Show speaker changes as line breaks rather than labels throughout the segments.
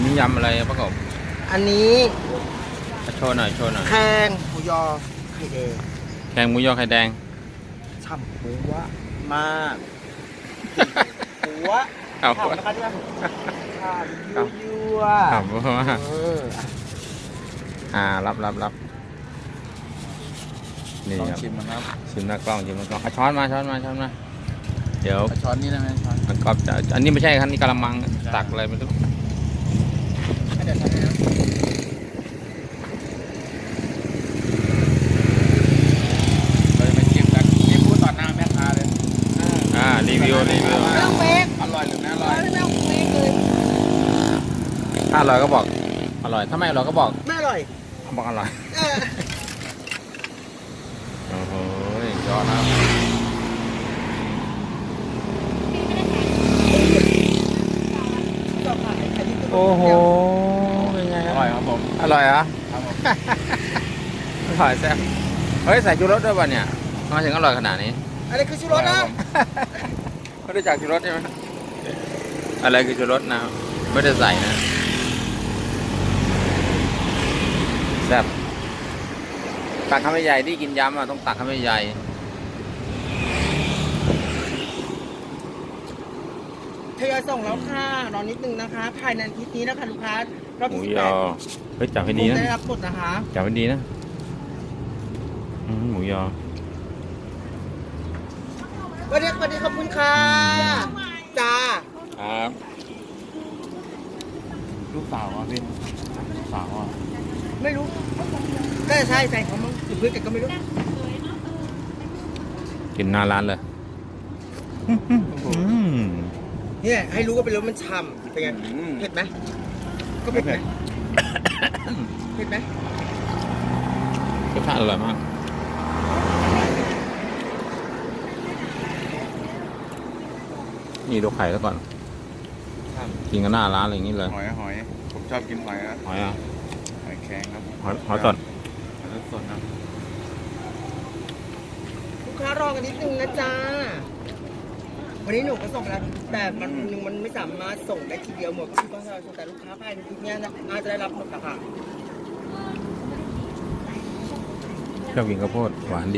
นี่ยำอะไรประกอบ
อันนี้
โชว์หน่อยโชว์หน่อย
แคงหมูยอไข่แดง
แกงหมูยอไข่แดง
ฉ่ำหัวมากหัว
เอา
ฉ่ำนะคะที่ว่าฉ่ำยั่ว
ครับเพราะว่า
เออ
รับนี่
ลอง
ครับ
ชิมมันครับ
ชิมหน้ากล้องชิมหน้ากล้องช้อนมาเดี๋ยว
เอาช้อนนี้ได้ไหมช้อน
มันก็จะอันนี้ไม่ใช่ครับนี่กะละมังตักอะไรไม่รู้
เดี๋ยวทำให้นะ
เราจะไปชิมกันนี่พูดต่อหน้าแม่ค้าเลย
รีวิว
ไม่ต้องเฟก
อร่อยหรือไม่อร่อย
ไม่ต้องเฟกเลย
ถ้าอร่อยก็บอกอร่อยถ้าไม่อร่อยก็บอก
ไม่อร่อย
บอกอร่อย
เออ
โอ้โหยอดนะ
ชอบขายอันนี้คือ
โอ้โหเป็นไง
อ
ครับ
ร่อยครับผม
อร่อยเหรอ
ครับผม
อร่อยแซ่บเฮ้ยใส่ชูรสด้วยป่ะเนี่ยทำไมถึงอร่อยขนาดนี้
อะไรคือชูรสนะ
ไม่ได้จากชูรสใช่ไหมอะไรคือชูรสนะไม่ได้ใส่นะแซ่บตักคำใหญ่ที่กินยำอ่ะต้องตักคำใหญ่
ทยอยส่งแล้วค่ะรอนิดนึงนะคะ ภายในอาทิตย์นี้นะคะลูกค้ารอบ
หมู
ที่
ยอเฮ้ยจับให้ดีนะ
ได้รับหมดนะคะ
จับให้ดีนะหมูยอ
วันนี้ขอบคุณค่ะจ้า
ครับ
ลูกสาวอ่ะพี่ลูกสาวอ่ะ
ไม่รู้ก็ใช่ใส่ของมึงหรือเพื่อนกันก็ไม่รู้
กินหน้าร้านเลย
เนี่ยให้รู้ว่าเป็นรสมันฉ่ำเป็นไงเผ็ดไหมก็เผ็ดไหมเผ็ดไหม
รสชาติอร่อยมากนี่ดูไข่แล้วก่อนกินกันหน้าร้านอะไรอย่างนี้เลย
หอยผมชอบกินหอยนะ
หอยอ่ะ
หอยแครงครับ
หอยสด
หอยสดนะ
ลูกค้ารอกันนิดนึงนะจ๊ะวันนี้หนูก็ส่งแล้วแต่มันไม่สามารถส่งได้ทีเดียวหมดก็คือต้องรอส่งแต่ลูกค้าภายในอาทิตย์นี้น่าจะได้รับหมดค่ะ
ชอบกินข้าวโพดหวานดี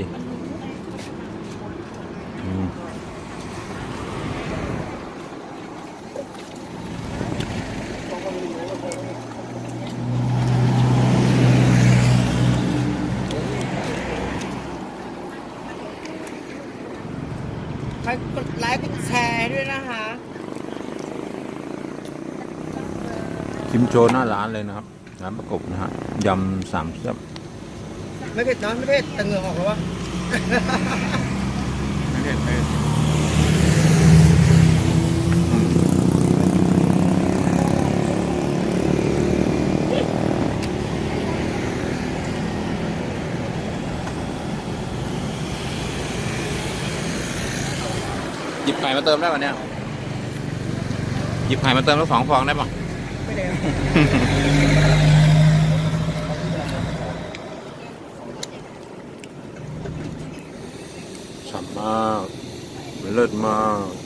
ใครกดไลค์กดแชร์ด้วยนะคะ
ชิมโชว์หน้าร้านเลยนะครับร้านประกบนะฮะยำสามแซ่บ
ไม่เผ็ดนะไม่เผ็ดแต่เหงื่อออกแล้ววะ
ไม่เผ็ดไม่เผ็ด
หยิบไข่มาเติมได้ป่ะเนี่ยหยิบไข่มาเติมแล้ว2 ฟองได้ป่ะ
ไม่ได้
ฉ่ำมากเลิศมาก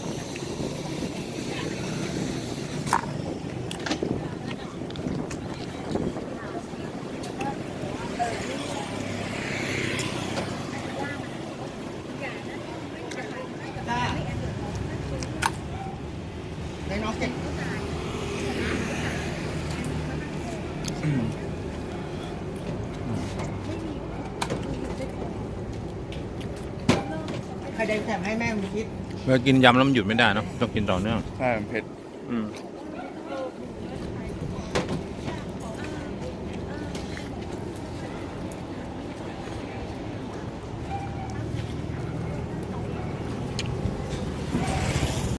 จ้าในน้องเก่งใครได้แถมให้แม่มึงคิด
เมื่อกินยำแล้วมันหยุดไม่ได้เนอะต้องกินต่อเนื่อง
ใช่มันเผ็ด
อืม